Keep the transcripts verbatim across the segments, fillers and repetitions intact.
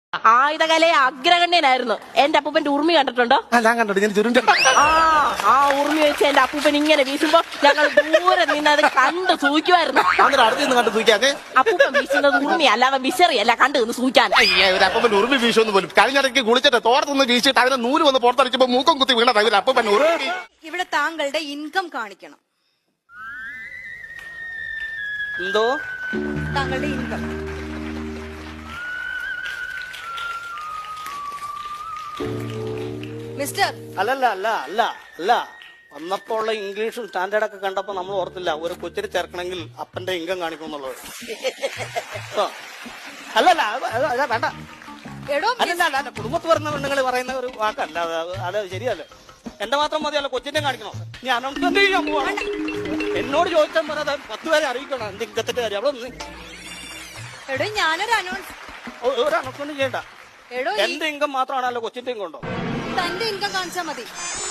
ആയുധകലയെ അഗ്രഗണ്യനായിരുന്നു. എന്റെ അപ്പൂപ്പന്റെ ഉറുമി കണ്ടിട്ടുണ്ടോ? ഞാൻ കണ്ടോ ഞാൻ ചുരുണ്ട ആ ആ ഉറുമി വെച്ച് എന്റെ അപ്പൂപ്പൻ ഇങ്ങനെ വീശുമ്പോ ഞങ്ങൾ ദൂരെ നിന്ന് അത് കണ്ട് സൂക്കുമായിരുന്നു. അടുത്ത് നിന്ന് കണ്ട് സൂക്കാതെ അപ്പൂപ്പൻ വീശുന്നത് ഉറുമി അല്ലാതെ വിശറിയല്ല, കണ്ടു നിന്ന് സൂക്കാൻ. അപ്പൻ ഉറുമി വീശൊന്നും പോലും കഴിഞ്ഞിടയ്ക്ക് കുളിച്ചിട്ട് തോർത്തൊന്ന് വീശിട്ട് അതിനെ നൂല് വന്ന് പുറത്തടിച്ചപ്പോ മൂക്കം കുത്തി വീണത് അപ്പൻ ഉറുമി. ഇവിടെ താങ്കളുടെ ഇൻകം കാണിക്കണം. എന്തോ താങ്കളുടെ ഇൻകം മിസ്റ്റർ. അല്ലല്ല അല്ല അല്ല അല്ല വന്നപ്പോഴുള്ള ഇംഗ്ലീഷും സ്റ്റാൻഡേർഡ് ഒക്കെ കണ്ടപ്പോ നമ്മൾ ഓർത്തില്ല ഒരു കൊച്ചിനെ ചേർക്കണമെങ്കിൽ അപ്പന്റെ ഇൻകം കാണിക്കും എന്നുള്ളത്. അല്ലല്ല അതാ വേണ്ട. എടോ അല്ലല്ല അല്ല കുടുംബത്ത് വരുന്ന പെണ്ണുങ്ങൾ പറയുന്ന ഒരു വാക്കല്ല അത്. അത് ശരിയല്ലേ? എന്റെ മാത്രം മതിയല്ല, കൊച്ചിന്റെ കാണിക്കണോ? ഞാൻ അനൗൺസ്മെന്റ് ചെയ്യാൻ പോവാണ്. എന്നോട് ചോദിച്ചാൽ പറയാതെ പത്ത് പേരെ അറിയിക്കണം എന്റെ ഇൻകത്തിന്റെ കാര്യം. അവിടെ ഒന്ന് എടോ ഞാനൊരു അനൗൺസ് ഒരു അനൗൺസ്മെന്റ് ചെയ്യണ്ട. എടോ എന്റെ ഇൻകം മാത്രമാണല്ലോ, കൊച്ചിന്റെ ഇൻകം ഉണ്ടോ? തന്റെ ഇൻകം കാണിച്ചാ മതി.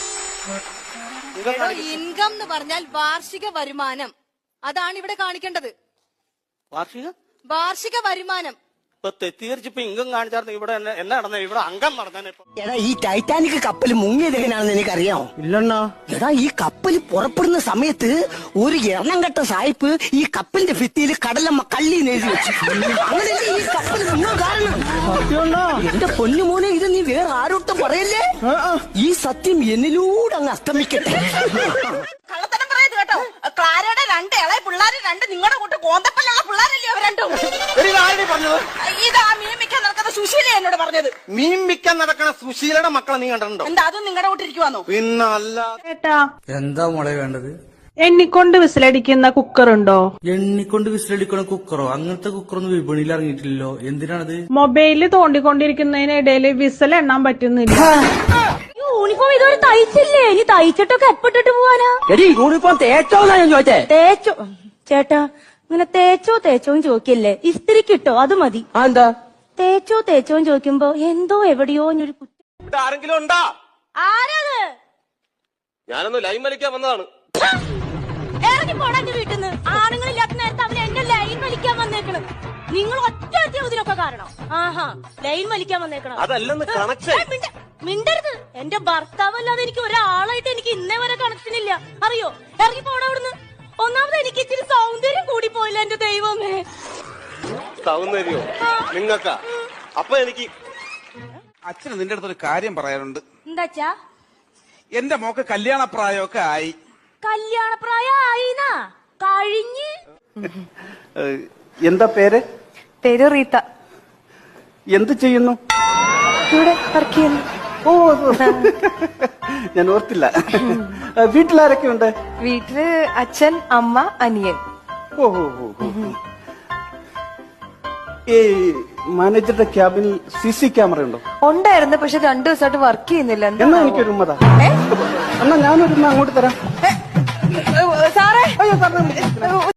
എടോ ഇൻകം എന്ന് പറഞ്ഞാൽ വാർഷിക വരുമാനം, അതാണ് ഇവിടെ കാണിക്കേണ്ടത്. വാർഷിക വാർഷിക വരുമാനം. ഇപ്പൊ തെറ്റിദ്ധരിച്ചിപ്പോ ഇൻകം കാണിച്ചായിരുന്നു. ഇവിടെ എന്നാ നടന്നത്? ഇവിടെ അംഗം നടന്നേ. എടാ ഈ ടൈറ്റാനിക് കപ്പൽ മുങ്ങിയത് എങ്ങനെയാണെന്ന് എനിക്കറിയാമോ? ഇല്ലെണ്ണാ. എടാ ഈ കപ്പൽ പുറപ്പെടുന്ന സമയത്ത് ഒരു എണ്ണം കെട്ട സായിപ്പ് ഈ കപ്പലിന്റെ ഭിത്തിയിൽ കടലമ്മ കള്ളി എഴുതി വെച്ചു. അങ്ങനെയല്ലേ ഈ കപ്പൽ മുങ്ങാൻ കാരണം. എന്റെ പൊന്നുമോനെ, ഇത് നീ വേറെ ആരോട്ടും പറയല്ലേ. ഈ സത്യം എന്നിലൂടെ അങ്ങ് അസ്തമിക്കട്ടെ. കള്ളത്തരം പറയത് കേട്ടോ. ക്ലാരയുടെ രണ്ട് ഇളയ പിള്ളേര് രണ്ട് നിങ്ങളുടെ കൂട്ട് കോന്തപ്പല്ലുള്ള പിള്ളേരല്ലേ അവർ രണ്ടും. പറഞ്ഞത് ഇതാ മീൻ മിക്കാൻ നടക്കുന്ന സുശീല എന്നോട് പറഞ്ഞത്. മീൻ മിക്കാൻ നടക്കണ സുശീലയുടെ മക്കളെ നീ കണ്ടിട്ടുണ്ടോ? എന്താ അതും നിങ്ങളുടെ കൂട്ടിരിക്കുവാന്നോ? പിന്നല്ല. ഏട്ടാ, എന്താ മോളെ വേണ്ടത്? എണ്ണിക്കൊണ്ട് വിസിലടിക്കുന്ന കുക്കർ ഉണ്ടോ? എണ്ണിക്കൊണ്ട് വിസിലടിക്കണ കുക്കറോ? അങ്ങനത്തെ കുക്കറൊന്നും വിപണിയിൽ ഇറങ്ങിയിട്ടില്ലല്ലോ. എന്തിനാണത്? മൊബൈലിൽ തോണ്ടിക്കൊണ്ടിരിക്കുന്നതിനിടയിൽ വിസിൽ എണ്ണാൻ പറ്റുന്നില്ല. യൂണിഫോം ഇതുവരെ തയ്ച്ചില്ലേ? ഇനി തയ്ച്ചിട്ടൊക്കെ എപ്പിട്ടിട്ട് പോവാനാ? എടി യൂണിഫോം തേച്ചോന്നാ ഞാൻ ചോദിച്ചേ. തേച്ചോ ചേട്ടാ, ഇങ്ങനെ തേച്ചോ തേച്ചോന്ന് ചോദിക്കല്ലേ, ഇസ്തിരിക്കിട്ടോ അത് മതി. എന്താ തേച്ചോ തേച്ചോന്ന് ചോദിക്കുമ്പോ എന്തോ എവിടെയോ ഒരു കുറ്റം. ആരെങ്കിലും ഉണ്ടാ? ആരത്? ഞാനൊന്ന് ലൈൻ വലിക്കാൻ വന്നതാണ്. ഇറങ്ങി പോടാ എന്റെ വീട്ടിൽ നിന്ന്. ആണുങ്ങളില്ലാത്ത നേരത്തെ അവൻ എന്റെ ലൈൻ വലിക്കാൻ വന്നേക്കണം. നിങ്ങൾ ഒറ്റ ഒറ്റ ഇതിനൊക്കെ കാരണം. ആഹാ, ലൈൻ വലിക്കാൻ വന്നേക്കണം. അതല്ലെന്ന് കണക്ഷൻ. മിണ്ടരുത്. എന്റെ ഭർത്താവല്ലാതെ എനിക്ക് ഒരാളായിട്ട് എനിക്ക് ഇന്നേ വരെ കണക്ഷൻ ഇല്ല, അറിയോ? ഇറങ്ങി പോടാ അവിടുന്ന്. ഒന്നാമത് എനിക്ക് ഇച്ചിരി സൗന്ദര്യം കൂടി പോയില്ല എന്റെ ദൈവമേ. സൗന്ദര്യോ നിങ്ങക്ക? അപ്പൊ എനിക്ക് അച്ഛന് നിന്റെ അടുത്തൊരു കാര്യം പറയാനുണ്ട്. എന്താച്ചാ? എന്റെ മോക്ക് കല്യാണപ്രായമൊക്കെ ആയി. കല്യാണപ്രായം ആയിനാ? കഴിഞ്ഞ്. എന്താ പേര്? പേര് റീത്ത. എന്ത് ചെയ്യുന്നു? ഇവിടെ വർക്ക് ചെയ്യുന്നു. ഓ ഞാൻ ഓർത്തില്ല. വീട്ടിലാരൊക്കെ ഉണ്ട്? വീട്ടില് അച്ഛൻ, അമ്മ, അനിയൻ. ഓ ഈ മാനേജറുടെ ക്യാബിനിൽ സി സി ക്യാമറ ഉണ്ടോ? ഉണ്ടായിരുന്നു, പക്ഷെ രണ്ടു ദിവസമായിട്ട് വർക്ക് ചെയ്യുന്നില്ല. എന്നാ എനിക്കൊരു ഉമ്മതാ. എന്നാ ഞാനൊരു അങ്ങോട്ട് തരാം. സാറേ